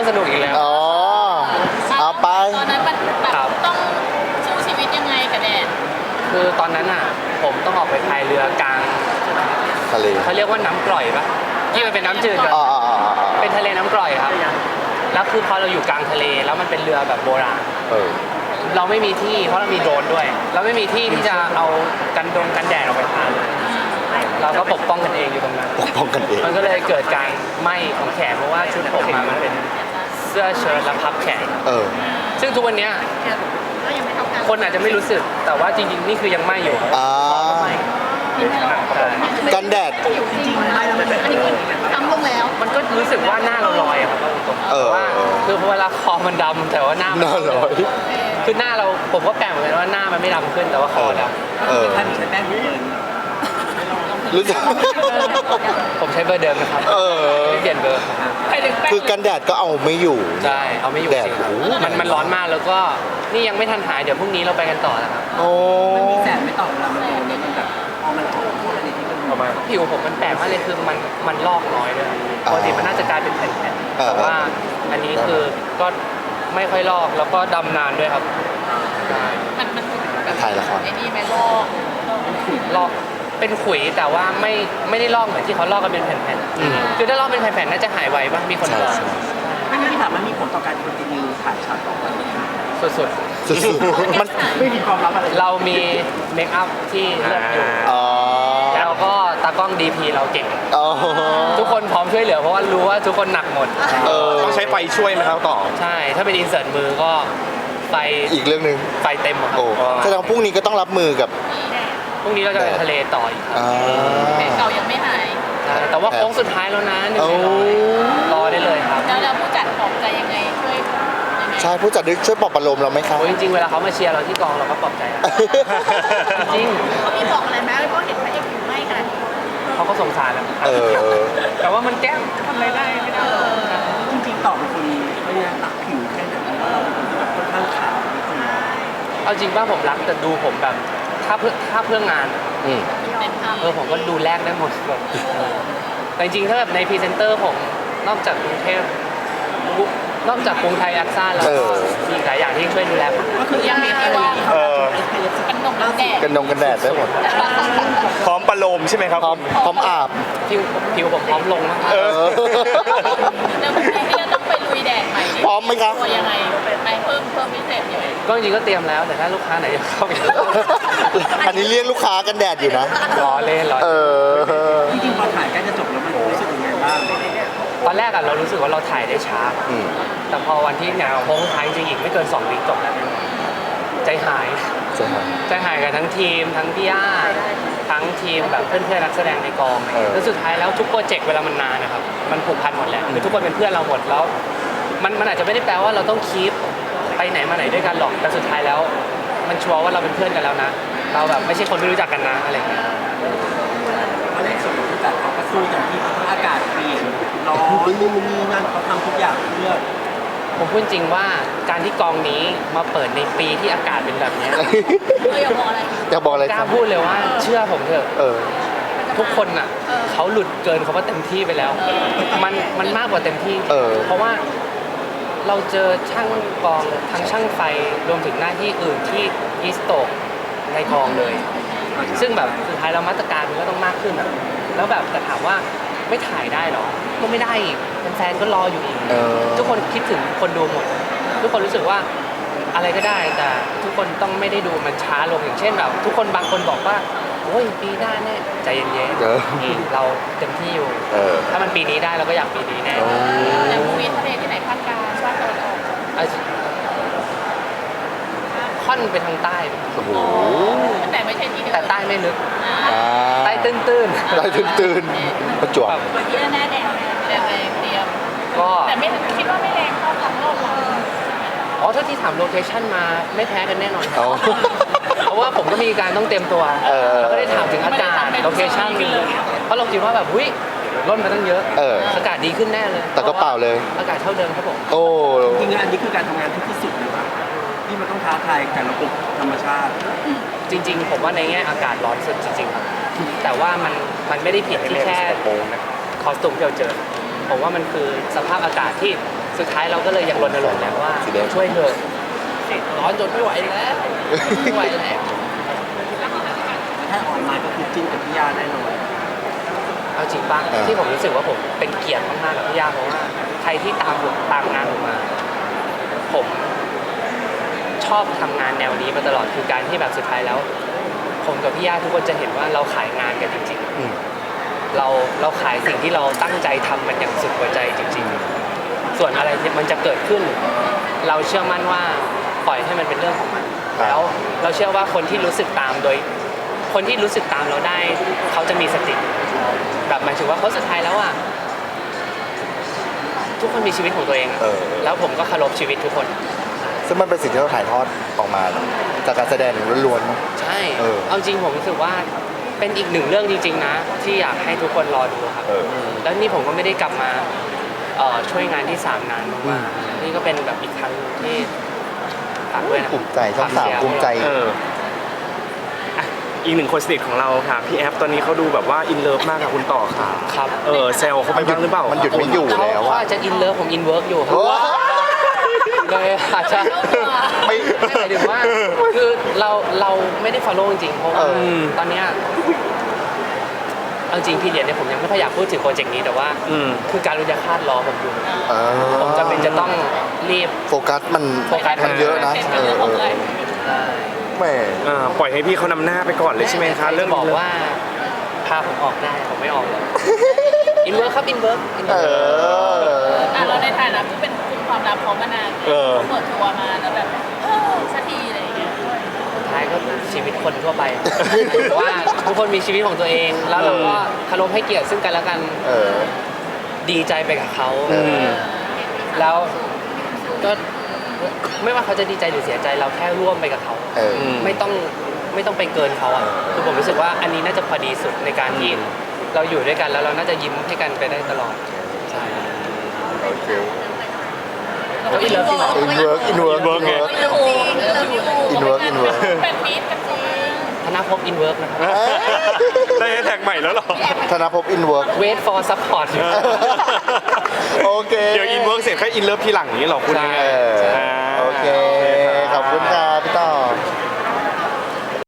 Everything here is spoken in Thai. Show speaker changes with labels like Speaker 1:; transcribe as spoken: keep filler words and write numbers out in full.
Speaker 1: สนุกอีกแล้ว
Speaker 2: อ๋อเอาไป
Speaker 3: ตอนนั้นมันแบบต้องสู้ชีวิตยังไงกับแดด
Speaker 1: คือตอนนั้นอ่ะผมต้องออกไปพายเรือกลาง
Speaker 2: ทะเล
Speaker 1: เขาเรียกว่าน้ำกร่อยปะที่มันเป็นน้ำจืดกัน
Speaker 2: อ๋ออ๋ออ๋ออ๋อ
Speaker 1: เป็นทะเลน้ำกร่อยครับแล้วคือพอเราอยู่กลางทะเลแล้วมันเป็นเรือแบบโบราณ
Speaker 2: เออ
Speaker 1: เราไม่มีที่เพราะเรามีโดรนด้วย เราไม่มีที่ที่จะเอากันดงกันแดดออกไปทานเราก็ปกป้องกันเองอยู่ตรงนั้น
Speaker 2: ปกป้องกันเอง
Speaker 1: มันก็เลยเกิดการไหม้ของแขนเพราะว่าชุดผมมามันเป็นเสื้อเชิ้ตและพับแขน
Speaker 2: เออ
Speaker 1: ซึ่งทุกวันเนี้ย
Speaker 3: ก็ยังไม่เท่ากัน
Speaker 1: คนอาจจะไม่รู้สึกแต่ว่าจริงๆนี่คือยังไหม้อยู่
Speaker 2: อ่า
Speaker 1: ไหม้ใช่
Speaker 2: กันแดด
Speaker 3: อยู่จริงๆไม่แล้วมันเป็นอันนี้คือทำลงแล้ว
Speaker 1: มันก็รู้สึกว่าหน้าเราลอยอะครับตรงๆแต่ว่าคือเวลาคอมันดำแต่ว่าหน้า
Speaker 2: หน้าลอย
Speaker 1: คือหน้าเราผมก็แปลกเหมือนกันว่าหน้ามันไม่ดำขึ้นแต่ว่าคอดำ
Speaker 2: เออ
Speaker 4: ท่านใช้แป้งเบิร์น
Speaker 2: รู้จัก
Speaker 1: ผมใช้เบอร์เดิมนะครับ
Speaker 2: เออ
Speaker 1: ไม่เปลี่ยนเบอร์
Speaker 3: ไปถึงแป้ง
Speaker 2: คือกันแดดก็เอาไม่อยู่
Speaker 1: ใช่เอาไม่อยู่
Speaker 2: แดด
Speaker 1: จริงครับ
Speaker 2: โอ้โห
Speaker 1: มันมันร้อนมากแล้วก็นี่ยังไม่ทันหายเดี๋ยวพรุ่งนี้เราไปกันต่อนะครับ
Speaker 2: โอ้
Speaker 4: มันมีแสงไม่ตอบเรามันมันแบบพอมันโผล่ขึ้นมาในที่มัน
Speaker 1: ประมาณผิวผมมันแปลกมากเลยคือมันมันลอกน้อยด้วยปกติมันน่าจะกลายเป็นแผ่นๆแต่ว่าอันนี้คือก็ไม่ค่อยลอกแล้วก็ดำนานด้วยครับใช่
Speaker 3: มันมันแบบ
Speaker 2: ถ่ายละคร
Speaker 3: ไอ้นี่ไหมลอก
Speaker 1: ลอกเป็นขุยแต่ว่าไม่ไม่ได้ลอกเหมือนที่เขาลอกกันเป็นแผ่น
Speaker 2: อืม
Speaker 1: ๆคือถ้าลอกเป็นแผ่นๆน่าจะหายไวป่ะมีคน
Speaker 2: ใช่
Speaker 1: บอก
Speaker 2: ใช่
Speaker 4: ไม่งั้นที่ถามมันมีผลต่อการคอนติเนียถ่ายฉากต่อไป
Speaker 1: สุด
Speaker 2: สุดๆมัน
Speaker 4: ไม่มีความลับอะไร
Speaker 1: ๆ เรามีเมคอัพที่เลือกอยู่
Speaker 2: อ๋อ
Speaker 1: แล้วก็ตากล้อง ดี พี เราเก่ง
Speaker 2: อ๋อ
Speaker 1: ทุกคนพร้อมช่วยเหลือเพราะว่ารู้ว่าทุกคนหนักหมด
Speaker 2: เออ
Speaker 5: ต้องใช้ไฟช่วยไหมครับต่อ
Speaker 1: ใช่ ถ้าเป็นอินเสิร์ตมือก็ไฟ
Speaker 2: อีกเรื่องหนึ่ง
Speaker 1: ไฟเต็มอะครับ
Speaker 2: โอ้แสดงว่าพรุ่งนี้ก็ต้องรับมือกับ
Speaker 1: พรุ่งนี้เราจะไปทะเลต่ออีกครับ
Speaker 2: อ่า
Speaker 3: แผลเก่ายังไม่หาย
Speaker 1: ใช่แต่ว่าโค้งสุดท้ายแล้วนะหนึ่ง
Speaker 2: โอ้
Speaker 1: ในร้อยรอได้เลยครับ
Speaker 3: แล้วแล้วผู้จัดปลอบใจยังไงช่วยยังไง
Speaker 2: ใช่ผู้จัดช่วยปลอบประโลมเราไหมคะ
Speaker 1: โอ้ยจริงๆเวลาเขามาเชียร์เราที่กองเราก็ปลอบใจนะจริง
Speaker 3: เขามีบอกอะไรไหมเพราะเห็นพระเอกอยู่ไม่ขนาดนี้
Speaker 1: เขาก็สงสารนะ
Speaker 2: เออ
Speaker 1: แต่ว่ามันแก้มทำอะไรได้ไม่ได้หรอก
Speaker 4: จริงๆต่อเป็นคนไม่ได้ตักผิวแค่ไหนว่าเราเป็นคนที่แบบค่อนข้างขาวนิดนึง
Speaker 1: เอาจริงป่ะผมรักแต่ดูผมแบบถ้าเพื่อถ้าเพื่องานอะ
Speaker 2: อืม
Speaker 3: เต็มที่
Speaker 1: เออผมก็ดูแลกได้หมดแบบแต่จริงๆถ้าแบบในพรีเซนเตอร์ผมนอกจากกรุงเทพนอกจากกรุงไทยแอคซ่าแล้ว
Speaker 2: เอ
Speaker 1: ก็
Speaker 2: อ
Speaker 1: มีหลายอย่างที่ช่วยดูแลผม
Speaker 4: ก็คือยังมีที่ว่า
Speaker 5: เออ
Speaker 3: กันนมแล้วแดด
Speaker 2: กันดงกันแดดได้หมด
Speaker 5: พร้อมประโลมใช่ไหมครับ
Speaker 2: พร้อมพร้อมอาบ
Speaker 1: ผิวผิวผมพร้อมลงมาก
Speaker 2: เออ
Speaker 3: แล้วพรุ่งนี้เราต้องไปลุยแดดใหม่
Speaker 2: พร้อมไหมครับ
Speaker 3: ตัวยังไงไปเพิ่มเพิ่มพิเศษยังไง
Speaker 1: ก็จริงๆก็เตรียมแล้วแต่ถ้าลูกค้าไหนจะเข้าไป
Speaker 2: อันนี้เรียกลูกค้ากันแดดอยู่นะ
Speaker 1: รอเล่นรอ
Speaker 2: เออ
Speaker 4: จริงๆพอถ่ายใกล้จะจบแล้วมันรู้สึกยังไงบ้าง
Speaker 1: ตอนแรกอะเรารู้สึกว่าเราถ่ายได้ช้า
Speaker 2: อืม
Speaker 1: แต่พอวันที่งานโค้งท้ายจริงๆอีกไม่เกินสองวิจบแล้วใจหาย
Speaker 2: ใช่ไหม
Speaker 1: ใจหายกับทั้งทีมทั้งพี่ย่าทั้งทีมแบบเพื่อนๆนักแสดงในกอง
Speaker 2: เออ
Speaker 1: แล้วสุดท้ายแล้วทุกโปรเจกต์เวลามันนานนะครับมันผูกพันหมดแหละคือทุกคนเป็นเพื่อนเราหมดแล้ว มันมันอาจจะไม่ได้แปลว่าเราต้องคีปไปไหนมาไหนด้วยกันหรอกแต่สุดท้ายแล้ว มันชัวร์ว่าเราเป็นเพื่อนกันแล้วนะ เราแบบไม่ใช่คนไม่รู้จักกันนะอะไรอย่างเงี้ย
Speaker 4: เพราะในส่วนของผู้จัดเขาก็สู้อย่างที่อากาศเปลี่ยนร้อนนู่นนี่นั่นเขาทำทุกอย่างเพื่อ
Speaker 1: ผมพูดจริงว่าการที่กองนี้มาเปิดในปีที่อากาศเป็นแบบเนี้ย
Speaker 3: เอออย่าบอกอะไร
Speaker 2: อยากบอกอะไร
Speaker 1: ก
Speaker 2: ค
Speaker 1: ล้า
Speaker 2: รับ
Speaker 1: พูดเลยว่าเชื่อผมเถอะ
Speaker 2: เออ
Speaker 1: ทุกคนอ่ะเขาหลุดเกินเขาว่าเต็มที่ไปแล้ว มันมันมากกว่าเต็มที่
Speaker 2: เออ
Speaker 1: เพราะว่าเราเจอช่างกองทั้งช่างไฟรวมถึงหน้าที่อื่นที่อีสโตกในกองเลย ซึ่งแบบสุดท้ายเรามาตรการมันก็ต้องมากขึ้นอะแล้วแบบแต่ถามว่าไม่ถ่ายได้เหรอก็ไม่ได้อีกแฟนๆก็รออยู่อีก
Speaker 2: เออ
Speaker 1: ทุกคนคิดถึงคนดูหมด ทุกคนรู้สึกว่าอะไรก็ได้แต่ทุกคนต้องไม่ได้ดูมันช้าลงอย่างเช่นแบบทุกคนบางคนบอกว่าโอ้ยปีหน้าแน่ใจเย็น
Speaker 2: เออ
Speaker 1: ๆนี่เราเต็มที่อยู่
Speaker 2: เออ
Speaker 1: ถ้ามันปีนี้ได้เราก็อยากปีนี้แน่
Speaker 2: โอ้
Speaker 3: แต่ภูมิทะเลที่ไหนภาคกลางภาคตะวันออก
Speaker 1: เอาค่อนไปทางใต้
Speaker 2: โอ้โห
Speaker 3: แต่ไม่ใช่ที่เดียว
Speaker 1: แต่ใต้ไม่ลึก
Speaker 3: อ่า
Speaker 2: อ่า
Speaker 1: ใต้ตื้นๆ
Speaker 2: ได้ตื่นๆประจวบ
Speaker 1: แบบ
Speaker 3: วันที่หน้าแดดแดดแรงเตรียม
Speaker 1: ก็
Speaker 3: แต่ไม่คิดว่าไม่แรงเท่ากับรอบเรา
Speaker 1: อ๋อถ้าที่ถามโลเคชั่นมาไม่แพ้กันแน่นอนครั
Speaker 2: เอา
Speaker 1: บ เพราะว่าผมก็มีการต้องเตรียมตัว
Speaker 2: เออ
Speaker 1: แล้วก็ได้ถามถึงอากาศโลเคชั่นเพราะเราคิดว่าแบบหุ้ยร่นมาตั้งเยอะ
Speaker 2: เออ
Speaker 1: อากาศดีขึ้นแน่เลย
Speaker 2: แต่ก็เปล่าเลย
Speaker 1: อากาศเท่าเดิมครับผม
Speaker 2: โอ้
Speaker 4: จริงๆอันนี้คือการทำงานที่ที่สุดนะครับที่มันต้องท้าทายกับระบบธรรมชาติ
Speaker 1: จริง ๆ ผมว่าในแง่อากาศร้อนสุดจริงๆครับแต่ว่ามันมันไม่ได้ผิดที่แค่คอสตูมที่เราเจอผมว่ามันคือสภาพอากาศที่สุดท้ายเราก็เลยยังรณรงค์แล้วว่า
Speaker 2: สีแดง
Speaker 1: ช่วยเถอะร้อนจนไม่ไหวแล้วไม่ไหวแล้ว
Speaker 4: ถ้าออนไลน์ก็คือจิ้นกับพี่ย่าแน่นอน
Speaker 1: เอาจริงป่ะ
Speaker 2: อ่า
Speaker 1: ที่ผมรู้สึกว่าผมเป็นเกียรติมากๆกับพี่ย่าเพราะว่าใครที่ตามผมตามงานผมมา ผมชอบทำงานแนวนี้มาตลอดคือการที่แบบสุดท้ายแล้ว ผมกับพี่ย่าทุกคนจะเห็นว่าเราขายงานกันจริง
Speaker 2: อืม
Speaker 1: ๆ เราเราขายสิ่งที่เราตั้งใจทำมันอย่างสุดหัวใจจริง ๆ ส่วนอะไรที่มันจะเกิดขึ้น เราเชื่อมั่นว่าปล่อยให้มันเป็นเรื่องของมัน
Speaker 2: ครับ
Speaker 1: แล้วเราเชื่อว่าคนที่รู้สึกตามโดย คนที่รู้สึกตามเราได้ เขาจะมีสติ แบบหมายถึงว่าเขาสุดท้ายแล้วอ่ะทุกคนมีชีวิตของตัวเองอะ
Speaker 2: เออ
Speaker 1: แล้วผมก็เคารพชีวิตทุกคน
Speaker 2: ซึ่งมันเป็นสิ่งที่เราถ่ายทอดออกมาจากการแสดงล้วน
Speaker 1: ใช่
Speaker 2: เออ
Speaker 1: เอาจริงผมรู้สึกว่าเป็นอีกหนึ่งเรื่องจริง ๆ นะ ที่อยากให้ทุกคนรอดูครับ
Speaker 2: เออ
Speaker 1: แล้วนี่ผมก็ไม่ได้กลับมาเอ่อช่วยงานที่สามนาน
Speaker 2: อื
Speaker 1: มาม กๆนี่ก็เป็นแบบอีกครั้งที่ฝากด้วยนะ
Speaker 2: ๆภูมิใจช่องสาม
Speaker 1: ฝกเชียร์
Speaker 2: ภูมิใจ
Speaker 5: เอออ่ะอีกหนึ่งคนสนิทของเราค่ะ พี่แอฟตอนนี้เขาดูแบบว่าอินเลิฟมากกับคุณต่อค่ะ
Speaker 1: ครับ
Speaker 5: เออแซวเขาไปบ้างหรือเปล่า
Speaker 2: มันหยุดไม่อยู่
Speaker 1: เขา
Speaker 2: แล้ว
Speaker 1: เขา
Speaker 2: อะ
Speaker 1: อาจจะอินเลิฟผมอินเวิร์กอยู่ครับ
Speaker 2: โอ้
Speaker 1: เลยอาจจะ
Speaker 2: ไม่
Speaker 1: ไม่หมายถึงว่าคือเราเราไม่ได้ follow จริงๆเพราะว่า
Speaker 2: เออ
Speaker 1: ตอนเนี้ยเอาจริงพี่เรียนเนี่ยผมยังไม่ค่อยอยากพูดถึงโปรเจกต์นี้แต่ว่า
Speaker 5: อืม
Speaker 1: คือการรุญยาคาตรอผมอยู่
Speaker 2: เออ
Speaker 1: ผมจะเป็นจะต้องรีบ
Speaker 2: โฟกัสมัน
Speaker 1: โฟกัส
Speaker 2: มันเยอะนะ
Speaker 3: เป็น
Speaker 2: เอ
Speaker 3: เรื่
Speaker 2: อ
Speaker 3: อง
Speaker 2: เอ
Speaker 3: ของ
Speaker 2: อ
Speaker 3: เลย
Speaker 2: แหม่
Speaker 5: อ่าปล่อยให้พี่เขานำหน้าไปก่อนเลยใช่ไหมคะ เรื่อง
Speaker 1: บอก
Speaker 5: นี้
Speaker 1: ว่าพาผมออกได้ผมไม่ออกเลยอินเวิร์กครับอินเวิร์ก
Speaker 2: เออ
Speaker 3: อ่ะเราในฐานะผู้เป็นคุมความลับของมานาน
Speaker 5: เออ
Speaker 3: เปิดตัวมาแล้วแบบเออสักทีอะไรอย่างเงี้ย
Speaker 1: สุดท้ายก็ชีวิตคนทั่วไปว่าทุกคนมีชีวิตของตัวเอง แล้วเราก็เคารพให้เกียรติซึ่งกันและกัน
Speaker 2: เออ
Speaker 1: ดีใจไปกับเขา
Speaker 2: อืม
Speaker 1: แล้วก็ไม่ว่าเขาจะดีใจหรือเสียใจเราแค่ร่วมไปกับเขา
Speaker 2: เออ
Speaker 5: ม
Speaker 1: ไม่ต้องไม่ต้องไปเกินเขาอ่ะคือผมรู้สึกว่าอันนี้น่าจะพอดีสุดในการที่เราอยู่ด้วยกันแล้วเราน่าจะยิ้มให้กันไปได้ตลอดใช่
Speaker 2: โอเค
Speaker 1: แล้วอินเลิฟจริงเหรอ
Speaker 2: อินเวิร์กอินเวิร์ก
Speaker 5: Inwork ไง
Speaker 3: เรื่องจริงเรื่องจริง
Speaker 2: Inwork Inwork
Speaker 3: เป็นมิตรกันจริง
Speaker 1: ธนภพอินเวิร์กนะครับ
Speaker 5: ได้แฮชแท็กใหม่แล้วเหรอ
Speaker 2: ธนภพอินเวิร์ก
Speaker 1: wait for support
Speaker 2: โอเค
Speaker 5: เดี๋ยวอินเวิร์กเสร็จค่อยอินเลิฟทีหลังนี้เหรอคุณยังไง
Speaker 2: เออ
Speaker 5: อ่า
Speaker 2: โอเค ขอบคุณค่ะ